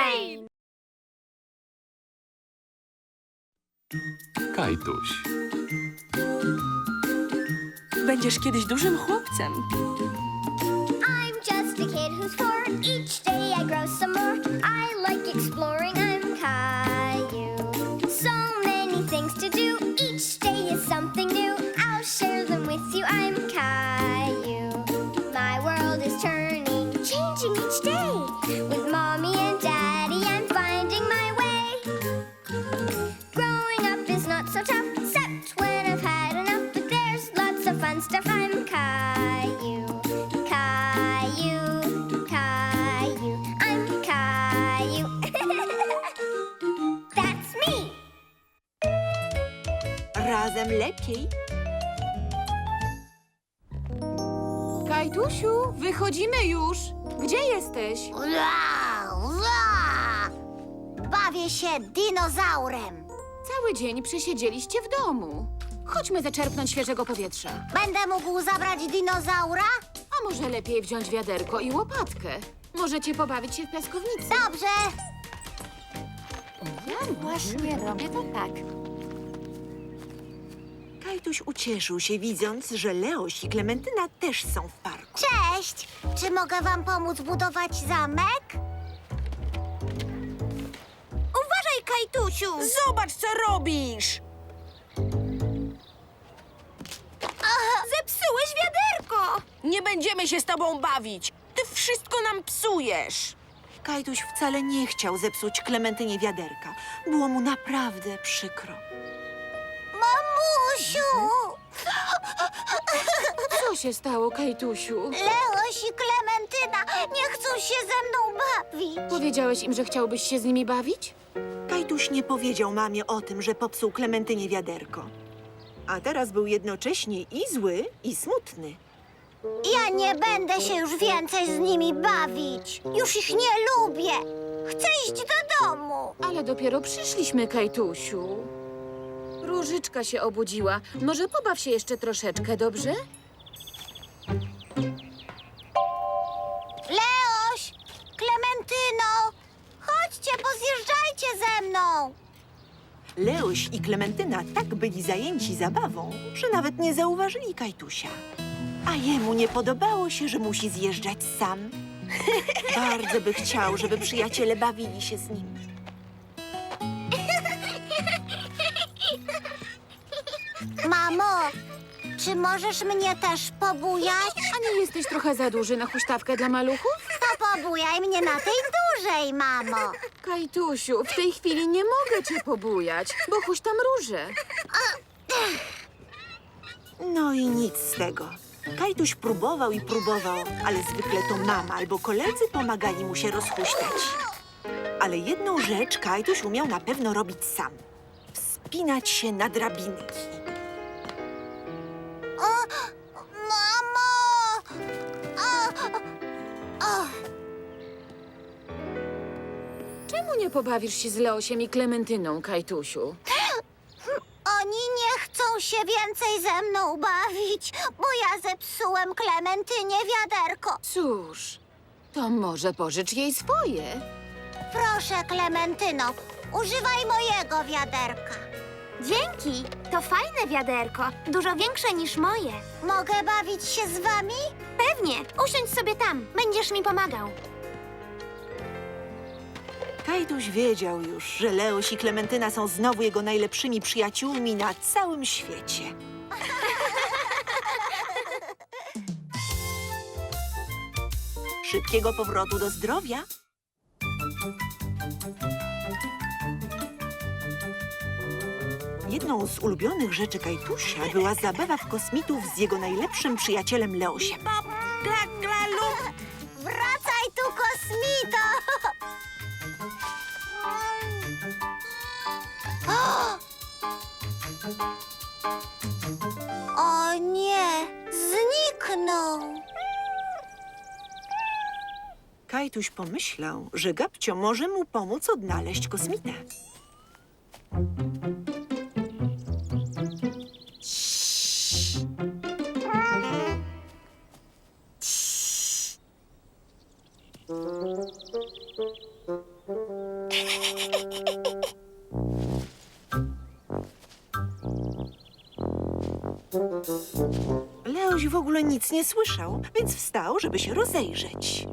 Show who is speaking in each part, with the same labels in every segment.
Speaker 1: Rain!
Speaker 2: Kajtuś.
Speaker 3: Będziesz kiedyś dużym chłopcem.
Speaker 4: I'm just a kid who's 4. Each day I grow some more. I like exploring. I'm Caillou. So many things to do. Each day is something new. I'll share them with you. I'm Caillou. My world is turning, changing each day. With mommy and daddy, I'm finding my way. Growing up is not so tough, except when I've had enough. But there's lots of fun stuff. I'm Caillou. Caillou, Caillou, I'm Caillou. That's me.
Speaker 5: Razem lepiej.
Speaker 6: Kajtusiu, wychodzimy już. Gdzie jesteś?
Speaker 4: Bawię się dinozaurem.
Speaker 6: Cały dzień przesiedzieliście w domu. Chodźmy zaczerpnąć świeżego powietrza.
Speaker 4: Będę mógł zabrać dinozaura?
Speaker 6: A może lepiej wziąć wiaderko i łopatkę? Możecie pobawić się w piaskownicy.
Speaker 4: Dobrze.
Speaker 1: Ja właśnie robię to tak.
Speaker 5: Kajtuś ucieszył się, widząc, że Leoś i Klementyna też są w parku.
Speaker 4: Cześć. Czy mogę wam pomóc budować zamek? Uważaj, Kajtusiu.
Speaker 5: Zobacz, co robisz!
Speaker 4: Zepsułeś wiaderko.
Speaker 3: Nie będziemy się z tobą bawić. Ty wszystko nam psujesz.
Speaker 5: Kajtuś wcale nie chciał zepsuć Klementynie wiaderka. Było mu naprawdę przykro.
Speaker 4: Mamusiu.
Speaker 6: Co się stało, Kajtusiu?
Speaker 4: Leoś i Klementyna nie chcą się ze mną bawić.
Speaker 6: Powiedziałeś im, że chciałbyś się z nimi bawić?
Speaker 5: Kajtuś nie powiedział mamie o tym, że popsuł Klementynie wiaderko. A teraz był jednocześnie i zły, i smutny.
Speaker 4: Ja nie będę się już więcej z nimi bawić. Już ich nie lubię. Chcę iść do domu.
Speaker 6: Ale dopiero przyszliśmy, Kajtusiu. Różyczka się obudziła. Może pobaw się jeszcze troszeczkę, dobrze?
Speaker 4: Leoś, Klementyno, chodźcie, pozjeżdżajcie ze mną.
Speaker 5: Leoś i Klementyna tak byli zajęci zabawą, że nawet nie zauważyli Kajtusia. A jemu nie podobało się, że musi zjeżdżać sam. Bardzo by chciał, żeby przyjaciele bawili się z nim.
Speaker 4: Mamo, czy możesz mnie też pobujać?
Speaker 6: A nie jesteś trochę za duży na huśtawkę dla maluchów?
Speaker 4: To pobujaj mnie na tej dużej, mamo.
Speaker 6: Kajtusiu, w tej chwili nie mogę cię pobujać, bo huśtam róże.
Speaker 5: No i nic z tego. Kajtuś próbował i próbował, ale zwykle to mama albo koledzy pomagali mu się rozhuśtać. Ale jedną rzecz Kajtuś umiał na pewno robić sam. Wspinać się na drabinki.
Speaker 4: Mamo!
Speaker 6: Czemu nie pobawisz się z Leosiem i Klementyną, Kajtusiu?
Speaker 4: Oni nie chcą się więcej ze mną bawić, bo ja zepsułem Klementynie wiaderko.
Speaker 6: Cóż, to może pożycz jej swoje.
Speaker 4: Proszę, Klementyno, używaj mojego wiaderka. Dzięki, to fajne wiaderko, dużo większe niż moje. Mogę bawić się z wami? Pewnie, usiądź sobie tam, będziesz mi pomagał.
Speaker 5: Kajtuś wiedział już, że Leoś i Klementyna są znowu jego najlepszymi przyjaciółmi na całym świecie. Szybkiego powrotu do zdrowia. Jedną z ulubionych rzeczy Kajtusia była zabawa w kosmitów z jego najlepszym przyjacielem Leosiem.
Speaker 4: Wracaj tu, kosmito! O nie, zniknął.
Speaker 5: Kajtuś pomyślał, że Gabcio może mu pomóc odnaleźć kosmitę. Leoś w ogóle nic nie słyszał, więc wstał, żeby się rozejrzeć.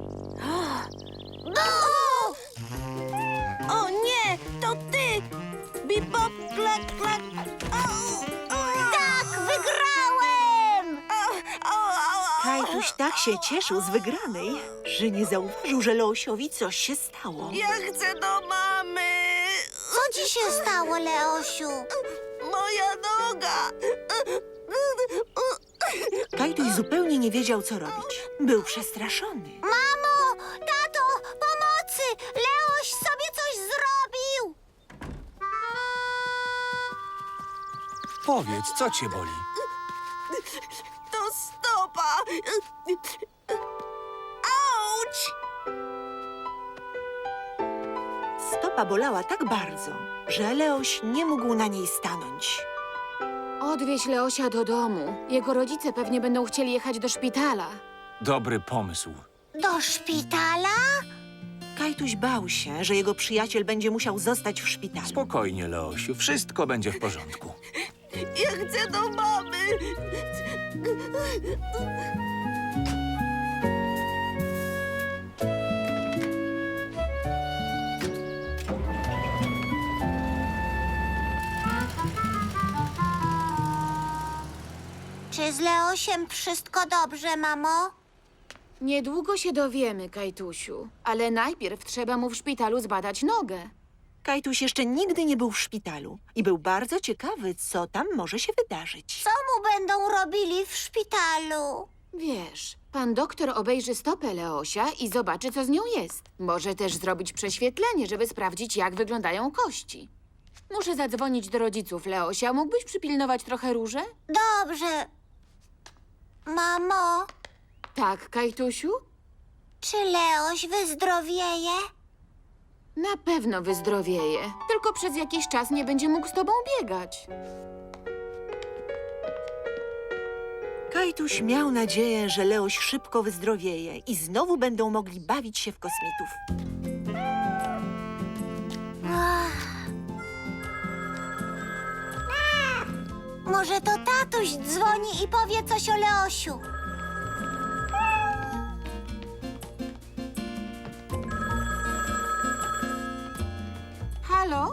Speaker 3: O nie, to ty! Bibop, klak, klak.
Speaker 4: Tak, wygrałem!
Speaker 5: Kajtuś tak się cieszył z wygranej, że nie zauważył, że Leosiowi coś się stało.
Speaker 3: Ja chcę do mamy!
Speaker 4: Co ci się stało, Leosiu?
Speaker 3: Moja noga!
Speaker 5: Kajtuś zupełnie nie wiedział, co robić. Był przestraszony.
Speaker 4: Mamo, tato, pomocy! Leoś sobie coś zrobił!
Speaker 2: Powiedz, co cię boli?
Speaker 3: To stopa! Auć!
Speaker 5: Stopa bolała tak bardzo, że Leoś nie mógł na niej stanąć.
Speaker 6: Odwieź Leosia do domu. Jego rodzice pewnie będą chcieli jechać do szpitala.
Speaker 2: Dobry pomysł.
Speaker 4: Do szpitala?
Speaker 5: Kajtuś bał się, że jego przyjaciel będzie musiał zostać w szpitalu.
Speaker 2: Spokojnie, Leosiu, wszystko będzie w porządku.
Speaker 3: Ja chcę do mamy!
Speaker 4: Czy z Leosiem wszystko dobrze, mamo?
Speaker 6: Niedługo się dowiemy, Kajtusiu, ale najpierw trzeba mu w szpitalu zbadać nogę.
Speaker 5: Kajtuś jeszcze nigdy nie był w szpitalu i był bardzo ciekawy, co tam może się wydarzyć.
Speaker 4: Co mu będą robili w szpitalu?
Speaker 6: Wiesz, pan doktor obejrzy stopę Leosia i zobaczy, co z nią jest. Może też zrobić prześwietlenie, żeby sprawdzić, jak wyglądają kości. Muszę zadzwonić do rodziców Leosia. Mógłbyś przypilnować trochę Różę?
Speaker 4: Dobrze. Mamo,
Speaker 6: Tak, Kajtusiu?
Speaker 4: czy Leoś wyzdrowieje?
Speaker 6: Na pewno wyzdrowieje. Tylko przez jakiś czas nie będzie mógł z tobą biegać.
Speaker 5: Kajtuś miał nadzieję, że Leoś szybko wyzdrowieje i znowu będą mogli bawić się w kosmitów.
Speaker 4: Może to tatuś dzwoni i powie coś o Leosiu.
Speaker 6: Halo?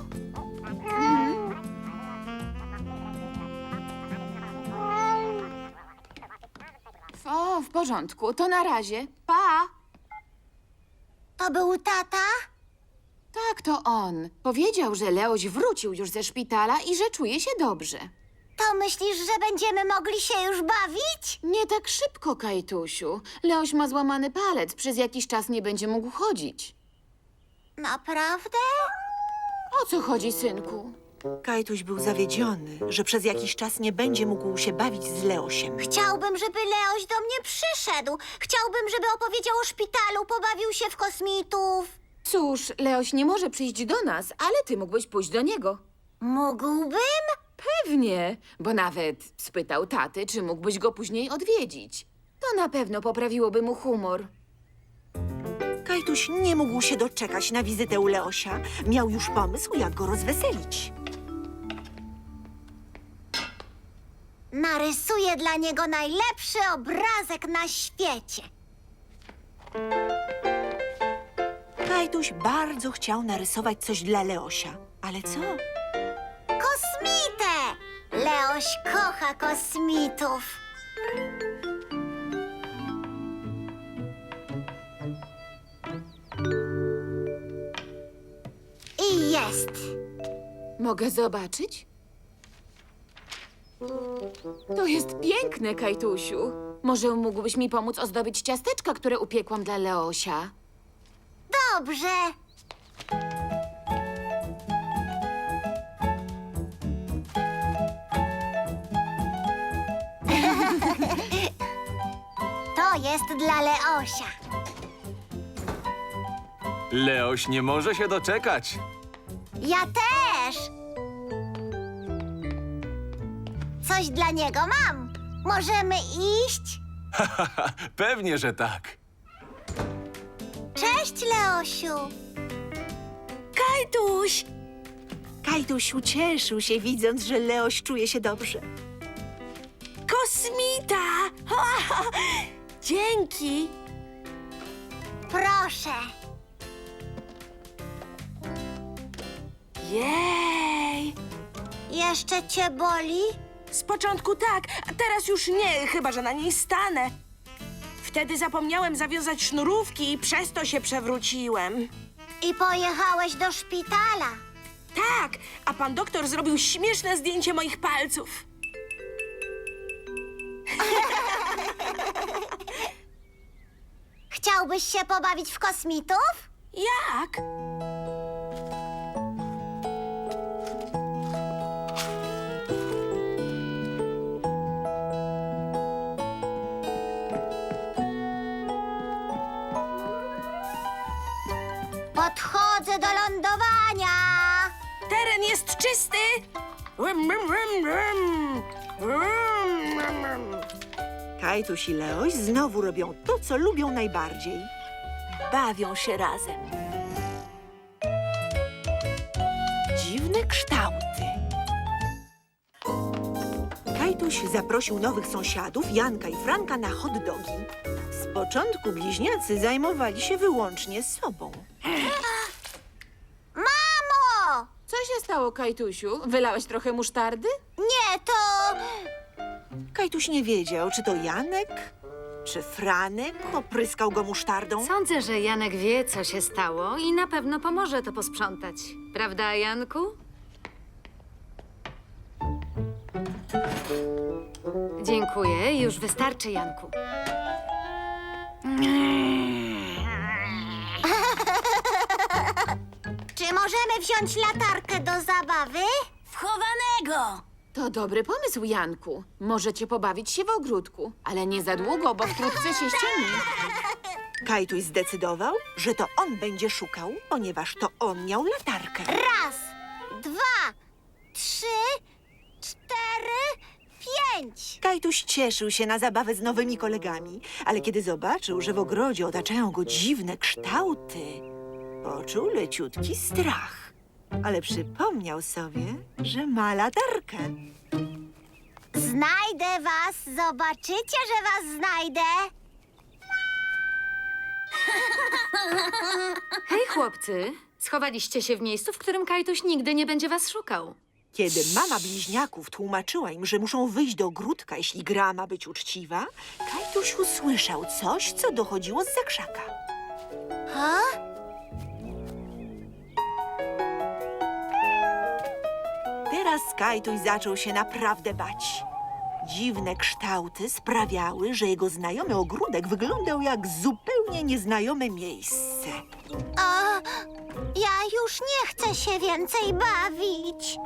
Speaker 6: O, w porządku. To na razie. Pa!
Speaker 4: To był tata?
Speaker 6: Tak, to on. Powiedział, że Leoś wrócił już ze szpitala i że czuje się dobrze.
Speaker 4: To myślisz, że będziemy mogli się już bawić?
Speaker 6: Nie tak szybko, Kajtusiu. Leoś ma złamany palec. Przez jakiś czas nie będzie mógł chodzić.
Speaker 4: Naprawdę?
Speaker 6: O co chodzi, synku?
Speaker 5: Kajtuś był zawiedziony, że przez jakiś czas nie będzie mógł się bawić z Leosiem.
Speaker 4: Chciałbym, żeby Leoś do mnie przyszedł. Chciałbym, żeby opowiedział o szpitalu, pobawił się w kosmitów.
Speaker 6: Cóż, Leoś nie może przyjść do nas, ale ty mógłbyś pójść do niego.
Speaker 4: Mógłbym?
Speaker 6: Pewnie, bo nawet spytał taty, czy mógłbyś go później odwiedzić. To na pewno poprawiłoby mu humor.
Speaker 5: Kajtuś nie mógł się doczekać na wizytę u Leosia. Miał już pomysł, jak go rozweselić.
Speaker 4: Narysuję dla niego najlepszy obrazek na świecie.
Speaker 5: Kajtuś bardzo chciał narysować coś dla Leosia. Ale co?
Speaker 4: Kosmitę! Leoś kocha kosmitów. I jest.
Speaker 6: Mogę zobaczyć? To jest piękne, Kajtusiu. Może mógłbyś mi pomóc ozdobić ciasteczka, które upiekłam dla Leosia?
Speaker 4: Dobrze. To jest dla Leosia.
Speaker 2: Leoś nie może się doczekać.
Speaker 4: Ja też. Coś dla niego mam. Możemy iść?
Speaker 2: Pewnie, że tak.
Speaker 4: Cześć, Leosiu.
Speaker 3: Kajtuś!
Speaker 5: Kajtuś ucieszył się, widząc, że Leoś czuje się dobrze.
Speaker 3: Kosmita! Dzięki!
Speaker 4: Proszę.
Speaker 3: Jej!
Speaker 4: Jeszcze cię boli?
Speaker 3: Z początku tak, a teraz już nie, chyba że na niej stanę. Wtedy zapomniałem zawiązać sznurówki i przez to się przewróciłem.
Speaker 4: I pojechałeś do szpitala.
Speaker 3: Tak, a pan doktor zrobił śmieszne zdjęcie moich palców.
Speaker 4: Chciałbyś się pobawić w kosmitów?
Speaker 3: Jak?
Speaker 4: Podchodzę do lądowania.
Speaker 3: Teren jest czysty! Rum, rum, rum, rum. Rum, rum, rum.
Speaker 5: Kajtuś i Leoś znowu robią to, co lubią najbardziej. Bawią się razem. Dziwne kształty. Kajtuś zaprosił nowych sąsiadów, Janka i Franka, na hot dogi. Z początku bliźniacy zajmowali się wyłącznie sobą.
Speaker 4: Mamo!
Speaker 6: Co się stało, Kajtusiu? Wylałeś trochę musztardy?
Speaker 4: Nie, to...
Speaker 5: Kajtuś nie wiedział, czy to Janek, czy Franek opryskał go musztardą.
Speaker 1: Sądzę, że Janek wie, co się stało i na pewno pomoże to posprzątać. Prawda, Janku? Dziękuję. Już wystarczy, Janku.
Speaker 4: Czy możemy wziąć latarkę do zabawy? Wchowanego!
Speaker 6: To dobry pomysł, Janku. Możecie pobawić się w ogródku, ale nie za długo, bo wkrótce się ściemni.
Speaker 5: Kajtuś zdecydował, że to on będzie szukał, ponieważ to on miał latarkę.
Speaker 4: Raz, dwa, trzy, cztery, pięć.
Speaker 5: Kajtuś cieszył się na zabawę z nowymi kolegami, ale kiedy zobaczył, że w ogrodzie otaczają go dziwne kształty, poczuł leciutki strach. Ale przypomniał sobie, że ma latarkę.
Speaker 4: Znajdę was, zobaczycie, że was znajdę.
Speaker 1: Hej, chłopcy. Schowaliście się w miejscu, w którym Kajtuś nigdy nie będzie was szukał.
Speaker 5: Kiedy mama bliźniaków tłumaczyła im, że muszą wyjść do ogródka, jeśli gra ma być uczciwa, Kajtuś usłyszał coś, co dochodziło zza krzaka.
Speaker 4: Ha?
Speaker 5: Teraz Kajtuś zaczął się naprawdę bać. Dziwne kształty sprawiały, że jego znajomy ogródek wyglądał jak zupełnie nieznajome miejsce.
Speaker 4: A, ja już nie chcę się więcej bawić.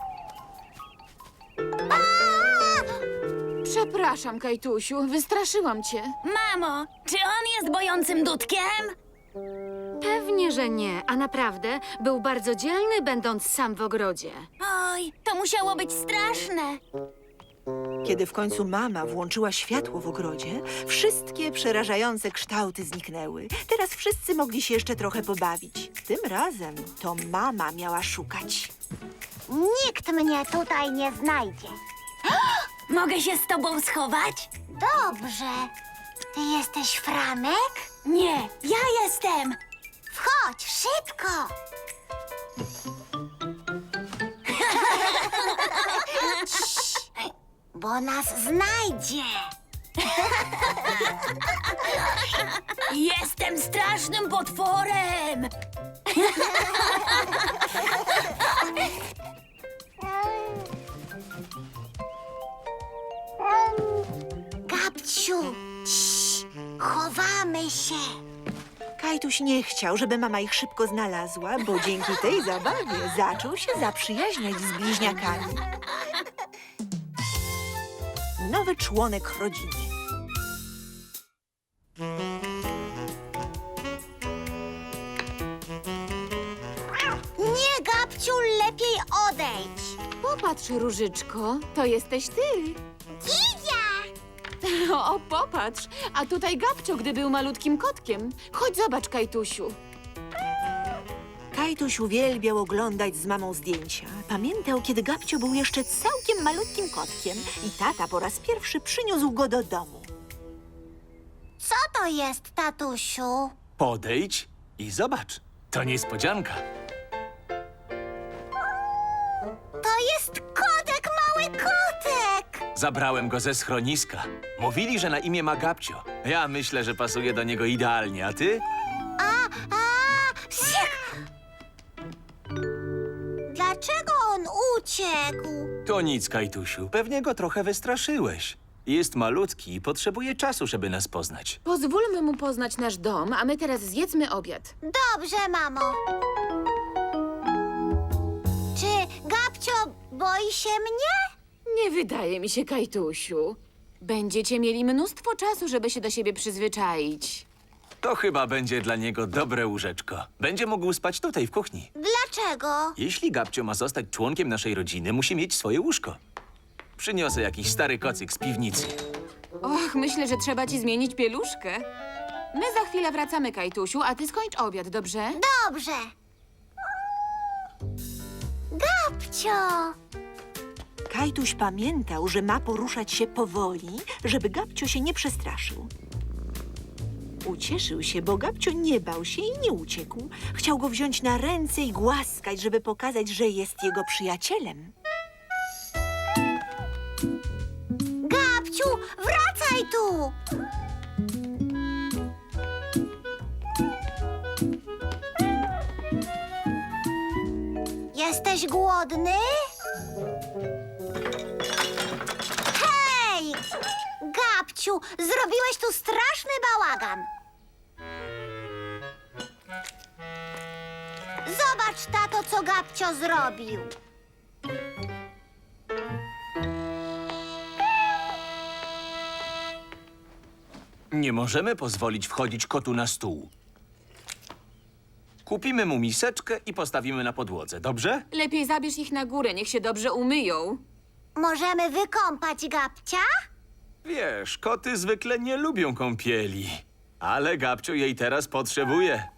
Speaker 4: A!
Speaker 6: Przepraszam, Kajtusiu, wystraszyłam cię.
Speaker 7: Mamo, czy on jest bojącym dudkiem?
Speaker 1: Pewnie, że nie. A naprawdę był bardzo dzielny, będąc sam w ogrodzie.
Speaker 7: Oj, to musiało być straszne.
Speaker 5: Kiedy w końcu mama włączyła światło w ogrodzie, wszystkie przerażające kształty zniknęły. Teraz wszyscy mogli się jeszcze trochę pobawić. Tym razem to mama miała szukać.
Speaker 4: Nikt mnie tutaj nie znajdzie.
Speaker 7: Mogę się z tobą schować?
Speaker 4: Dobrze. Ty jesteś Franek?
Speaker 7: Nie, ja jestem.
Speaker 4: Wchodź, szybko! Cii, bo nas znajdzie.
Speaker 7: Jestem strasznym potworem.
Speaker 4: Gabciu, cii, chowamy się.
Speaker 5: Kajtuś nie chciał, żeby mama ich szybko znalazła, bo dzięki tej zabawie zaczął się zaprzyjaźniać z bliźniakami. Nowy członek rodziny.
Speaker 4: Nie, Gabciu, lepiej odejdź.
Speaker 6: Popatrz, Różyczko, to jesteś ty.
Speaker 4: Kidzia!
Speaker 6: O, popatrz, a tutaj Gabcio, gdy był malutkim kotkiem. Chodź, zobacz, Kajtusiu.
Speaker 5: Kajtuś uwielbiał oglądać z mamą zdjęcia. Pamiętał, kiedy Gabcio był jeszcze całkiem malutkim kotkiem i tata po raz pierwszy przyniósł go do domu.
Speaker 4: Co to jest, tatusiu?
Speaker 2: Podejdź i zobacz. To niespodzianka.
Speaker 4: To jest kotek, mały kotek!
Speaker 2: Zabrałem go ze schroniska. Mówili, że na imię ma Gabcio. Ja myślę, że pasuje do niego idealnie, a ty?
Speaker 4: Psik! Dlaczego on uciekł?
Speaker 2: To nic, Kajtusiu. Pewnie go trochę wystraszyłeś. Jest malutki i potrzebuje czasu, żeby nas poznać.
Speaker 6: Pozwólmy mu poznać nasz dom, a my teraz zjedzmy obiad.
Speaker 4: Dobrze, mamo. Czy Gabcio boi się mnie?
Speaker 6: Nie wydaje mi się, Kajtusiu. Będziecie mieli mnóstwo czasu, żeby się do siebie przyzwyczaić.
Speaker 2: To chyba będzie dla niego dobre łóżeczko. Będzie mógł spać tutaj, w kuchni.
Speaker 4: Dlaczego?
Speaker 2: Jeśli Gabcio ma zostać członkiem naszej rodziny, musi mieć swoje łóżko. Przyniosę jakiś stary kocyk z piwnicy.
Speaker 6: Och, myślę, że trzeba ci zmienić pieluszkę. My za chwilę wracamy, Kajtusiu, a ty skończ obiad, dobrze?
Speaker 4: Dobrze. Gabcio!
Speaker 5: Kajtuś pamiętał, że ma poruszać się powoli, żeby Gabcio się nie przestraszył. Ucieszył się, bo Gabcio nie bał się i nie uciekł. Chciał go wziąć na ręce i głaskać, żeby pokazać, że jest jego przyjacielem.
Speaker 4: Gabciu, wracaj tu! Jesteś głodny? Hej! Gabciu, zrobiłeś tu straszny bałagan. Zobacz, tato, co Gabcio zrobił.
Speaker 2: Nie możemy pozwolić wchodzić kotu na stół. Kupimy mu miseczkę i postawimy na podłodze, dobrze?
Speaker 6: Lepiej zabierz ich na górę, niech się dobrze umyją.
Speaker 4: Możemy wykąpać Gabcia?
Speaker 2: Wiesz, koty zwykle nie lubią kąpieli. Ale Gabcio jej teraz potrzebuje.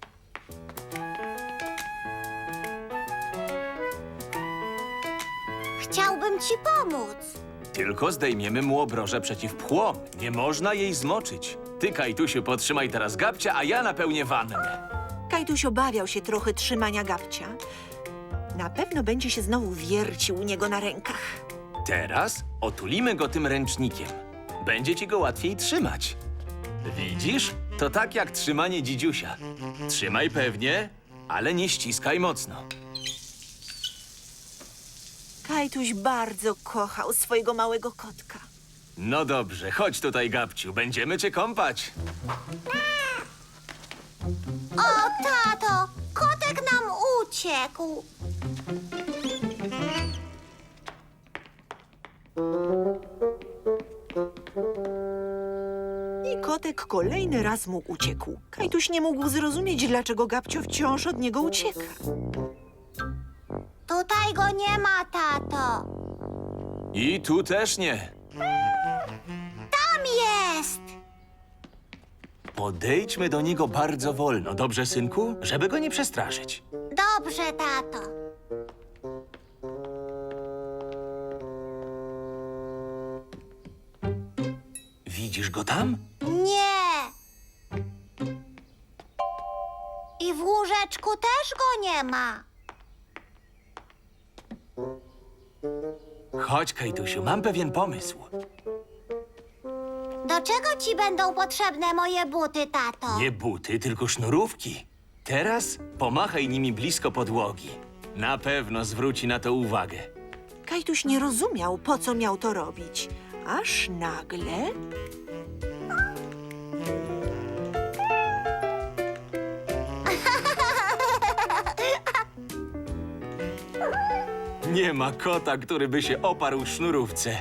Speaker 4: Chciałbym ci pomóc.
Speaker 2: Tylko zdejmiemy mu obroże przeciw pchłom. Nie można jej zmoczyć. Ty, Kajtusiu, potrzymaj teraz Gabcia, a ja napełnię wannę.
Speaker 5: Kajtuś obawiał się trochę trzymania Gabcia. Na pewno będzie się znowu wiercił u niego na rękach.
Speaker 2: Teraz otulimy go tym ręcznikiem. Będzie ci go łatwiej trzymać. Widzisz? To tak jak trzymanie dzidziusia. Trzymaj pewnie, ale nie ściskaj mocno.
Speaker 5: Kajtuś bardzo kochał swojego małego kotka.
Speaker 2: No dobrze, chodź tutaj, Gabciu. Będziemy cię kąpać.
Speaker 4: O, tato, kotek nam uciekł.
Speaker 5: I kotek kolejny raz mu uciekł. Kajtuś nie mógł zrozumieć, dlaczego Gabcio wciąż od niego ucieka.
Speaker 4: Tutaj go nie ma, tato.
Speaker 2: I tu też nie.
Speaker 4: Tam jest.
Speaker 2: Podejdźmy do niego bardzo wolno, dobrze, synku? Żeby go nie przestraszyć.
Speaker 4: Dobrze, tato.
Speaker 2: Widzisz go tam?
Speaker 4: Nie. I w łóżeczku też go nie ma.
Speaker 2: Chodź, Kajtusiu, mam pewien pomysł.
Speaker 4: Do czego ci będą potrzebne moje buty, tato?
Speaker 2: Nie buty, tylko sznurówki. Teraz pomachaj nimi blisko podłogi. Na pewno zwróci na to uwagę.
Speaker 5: Kajtuś nie rozumiał, po co miał to robić. Aż nagle...
Speaker 2: Nie ma kota, który by się oparł sznurówce.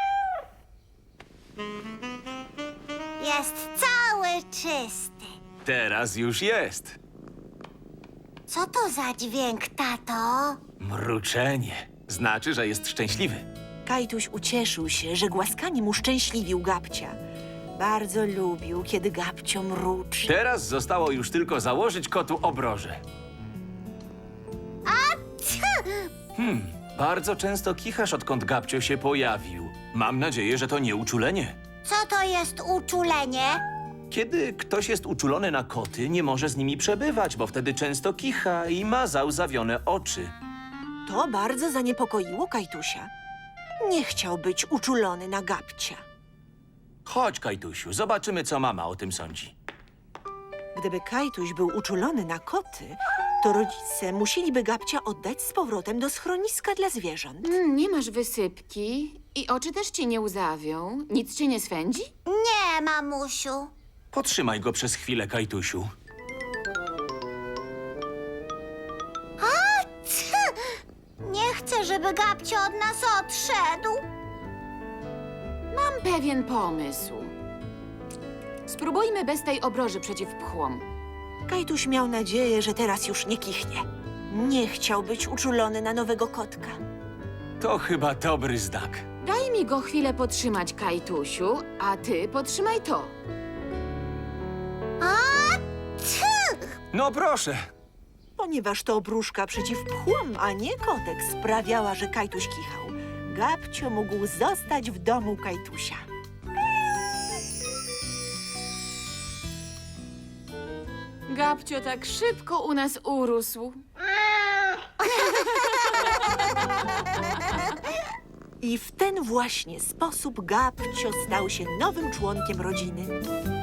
Speaker 4: Jest cały czysty.
Speaker 2: Teraz już jest.
Speaker 4: Co to za dźwięk, tato?
Speaker 2: Mruczenie. Znaczy, że jest szczęśliwy.
Speaker 5: Kajtuś ucieszył się, że głaskaniem uszczęśliwił Gabcia. Bardzo lubił, kiedy Gabcio mruczy.
Speaker 2: Teraz zostało już tylko założyć kotu obroże. Bardzo często kichasz, odkąd Gabcio się pojawił. Mam nadzieję, że to nie uczulenie.
Speaker 4: Co to jest uczulenie?
Speaker 2: Kiedy ktoś jest uczulony na koty, nie może z nimi przebywać, bo wtedy często kicha i ma załzawione oczy.
Speaker 5: To bardzo zaniepokoiło Kajtusia. Nie chciał być uczulony na Gabcia.
Speaker 2: Chodź, Kajtusiu, zobaczymy, co mama o tym sądzi.
Speaker 5: Gdyby Kajtuś był uczulony na koty, to rodzice musieliby Gabcia oddać z powrotem do schroniska dla zwierząt.
Speaker 6: Nie masz wysypki i oczy też ci nie łzawią. Nic cię nie swędzi?
Speaker 4: Nie, mamusiu.
Speaker 2: Potrzymaj go przez chwilę, Kajtusiu.
Speaker 4: Nie chcę, żeby Gabcio od nas odszedł.
Speaker 6: Mam pewien pomysł. Spróbujmy bez tej obroży przeciw pchłom.
Speaker 5: Kajtuś miał nadzieję, że teraz już nie kichnie. Nie chciał być uczulony na nowego kotka.
Speaker 2: To chyba dobry znak.
Speaker 6: Daj mi go chwilę potrzymać, Kajtusiu, a ty potrzymaj to.
Speaker 2: No proszę.
Speaker 5: Ponieważ to obruszka przeciw pchłom, a nie kotek, sprawiała, że Kajtuś kichał. Gabcio mógł zostać w domu Kajtusia.
Speaker 6: Gabcio tak szybko u nas urósł.
Speaker 5: I w ten właśnie sposób Gabcio stał się nowym członkiem rodziny.